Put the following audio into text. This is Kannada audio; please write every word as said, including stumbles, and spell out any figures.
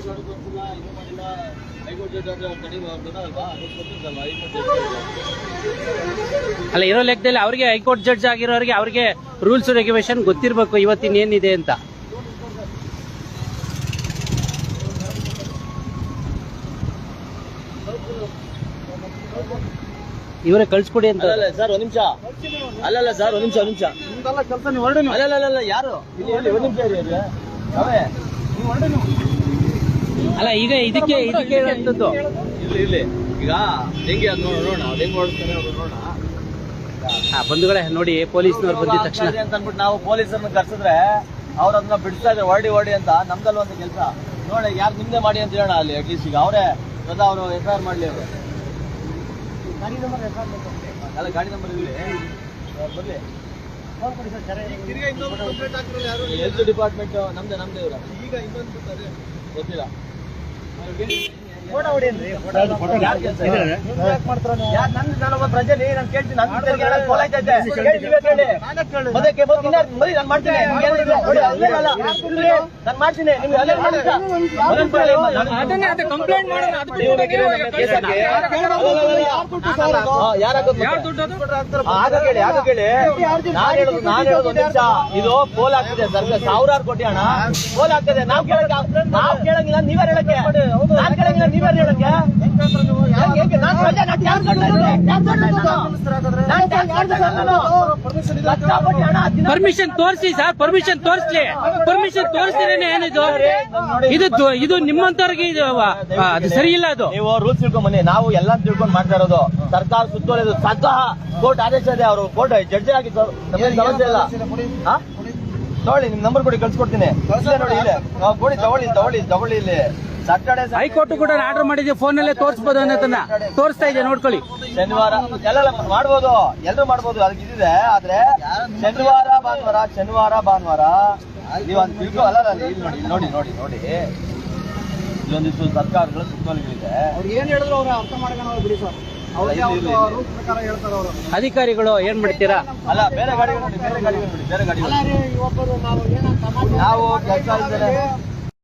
ಅಲ್ಲ, ಇರೋ ಲೆಕ್ಕದಲ್ಲಿ ಅವ್ರಿಗೆ ಹೈಕೋರ್ಟ್ ಜಡ್ಜ್ ಆಗಿರೋರಿಗೆ ಅವ್ರಿಗೆ ರೂಲ್ಸ್ ರೆಗ್ಯುಲೇಷನ್ ಗೊತ್ತಿರ್ಬೇಕು ಇವತ್ತಿನ ಏನಿದೆ ಅಂತ. ಇವರೇ ಕಳ್ಸ್ಕೊಡಿ ಅಂತ. ಅಲ್ಲ ಸರ್, ಒಂದ್ ನಿಮಿಷ. ಅಲ್ಲಲ್ಲ ಸರ್, ಒಂದ್ ನಿಮಿಷ ಒಂದ್ ನಿಮಿಷ ಕೆಲಸ ನೀವು ಹೊರಡಿ. ಅಲ್ಲ ಯಾರು ಒಂದ್ ನಿಮಿಷ ಅಲ್ಲ, ಈಗ ಇದಕ್ಕೆ ಇದಕ್ಕೆ ಹೇಳುವಂಥದ್ದು ಇಲ್ಲಿ ಇಲ್ಲಿ ಈಗ ಹೆಂಗೆ ಅದು ನೋಡೋಣ, ಅದ್ ಹೆಂಗ್ ಓಡಿಸ್ತಾರೆ ನೋಡೋಣ. ಬಂಧುಗಳೇ ನೋಡಿ, ಪೊಲೀಸ್ನವ್ರು ಬಂದಿದ ತಕ್ಷಣ ಅಂತ ಅಂದ್ಬಿಟ್ಟು ನಾವು ಪೊಲೀಸರನ್ನ ಕರ್ಸಿದ್ರೆ ಅವ್ರ ಅದನ್ನ ಬಿಡಿಸ್ತಾ ಇದ್ರೆ ಹೊರಡಿ ಹೊರಡಿ ಅಂತ. ನಮ್ದಲ್ಲ ಒಂದು ಕೆಲಸ ನೋಡಿ, ಯಾರು ನಿಮ್ದೆ ಮಾಡಿ ಅಂತ ಹೇಳೋಣ ಅಲ್ಲಿ. ಅಟ್ಲೀಸ್ಟ್ ಈಗ ಅವರೇ ಸ್ವತಃ ಅವರು ಎಫ್ ಐ ಆರ್ ಮಾಡ್ಲಿ. ಅವರು ಅಲ್ಲ, ಗಾಡಿ ನಂಬರ್ ಇಲ್ಲಿ ಬರ್ಲಿ. ಹೆಲ್ತ್ ಡಿಪಾರ್ಟ್ಮೆಂಟ್ ನಮ್ದೇ ನಮ್ದೇ ಇವ್ರ. ಈಗ ಇನ್ನೊಂದು ಗೊತ್ತಿಲ್ಲ. ನಾನೊಬ್ಬ ಪ್ರಜೆಲಿ ನಾನು ಕೇಳ್ತೀನಿ. ನಾನು ಮಾಡ್ತೀನಿ, ನಾನು ಮಾಡ್ತೀನಿ. ಇದು ಪೋಲ್ ಆಗ್ತಿದೆ ಸರ್ಕಾರ, ಸಾವಿರಾರು ಕೋಟಿ ಹಣ ಪೋಲ್ ಆಗ್ತದೆ. ನಾವ್ ಕೇಳಕ್ ನಾವ್ ಕೇಳಂಗಿಲ್ಲ, ನೀವೇ ಹೇಳಕ್ಕೆ. ನಾನ್ ಕೇಳಂಗಿಲ್ಲ, ನೀವೇ ಹೇಳಕ್ಕೆ. ಪರ್ಮಿಷನ್ ತೋರಿಸಿ ಸರ್, ಪರ್ಮಿಷನ್ ತೋರಿಸ್ಲಿ. ಪರ್ಮಿಷನ್ ತೋರಿಸ್ತೀರೇನೆ ಏನಿದು? ಇದು ಇದು ನಿಮ್ಮಂತವ್ರಿಗೆ ಇದು ಅದು ಸರಿ ಇಲ್ಲ. ಅದು ನೀವು ರೂಲ್ಸ್ ತಿಳ್ಕೊಂಡ್ ಬನ್ನಿ. ನಾವು ಎಲ್ಲ ತಿಳ್ಕೊಂಡ್ ಮಾಡ್ತಾ ಇರೋದು. ಸರ್ಕಾರ ಸುತ್ತೋಲೆದು ಸ್ವತಃ ಕೋರ್ಟ್ ಆದೇಶ ಇದೆ. ಅವರು ಕೋರ್ಟ್ ಜಡ್ಜ್ ಆಗಿ ಸಮಸ್ಯೆ ಇಲ್ಲ. ತಗೊಳ್ಳಿ, ನಿಮ್ ನಂಬರ್ ಕೊಡಿ, ಕಳ್ಸಿಕೊಡ್ತೀನಿ. ನೋಡಿ ಇಲ್ಲಿ ಕೊಡಿ, ತಗೊಳ್ಳಿ ತಗೊಳ್ಳಿ ತಗೊಳ್ಳಿ ಇಲ್ಲಿ. ಸಾಟರ್ಡೆ ಹೈಕೋರ್ಟ್ ಕೂಡ ಆರ್ಡರ್ ಮಾಡಿದ್ದೆ, ಫೋನ್ ನಲ್ಲೇ ತೋರಿಸಬಹುದು ಅನ್ನೋದನ್ನ ತೋರಿಸ್ತಾ ಇದೆ, ನೋಡ್ಕೊಳ್ಳಿ. ಶನಿವಾರ ಎಲ್ಲ ಮಾಡ್ಬೋದು, ಎಲ್ಲರೂ ಮಾಡ್ಬೋದು, ಅದಕ್ಕೆ ಇದಿದೆ. ಆದ್ರೆ ಶನಿವಾರ ಭಾನುವಾರ ಶನಿವಾರ ಭಾನುವಾರ ನೀವು ಅಂತ ತಿಳ್ಕೊ. ಅಲ್ಲ ಇಲ್ಲಿ ನೋಡಿ ನೋಡಿ ನೋಡಿ ನೋಡಿ ಇಲ್ಲೊಂದಿಷ್ಟು ಸರ್ಕಾರಗಳ ಸುತ್ತೋಲೆಗಳಿದೆ. ಅವ್ರು ಏನ್ ಹೇಳಿದ್ರು ಅವ್ರು ಅರ್ಥ ಮಾಡ್ಕೊಂಡು ಬಿಡಿ ಸರ್. ಅಧಿಕಾರಿಗಳು ಏನ್ ಮಾಡ್ತೀರಾ? ಅಲ್ಲ, ಬೇರೆ ಗಾಡಿಗಳು ನೋಡಿ, ಬೇರೆ ಗಾಡಿಗಳು ನೋಡಿ, ಬೇರೆ ಗಾಡಿಗಳು ನಾವು ಕೆಲಸ ಇದ್ದಾರೆ.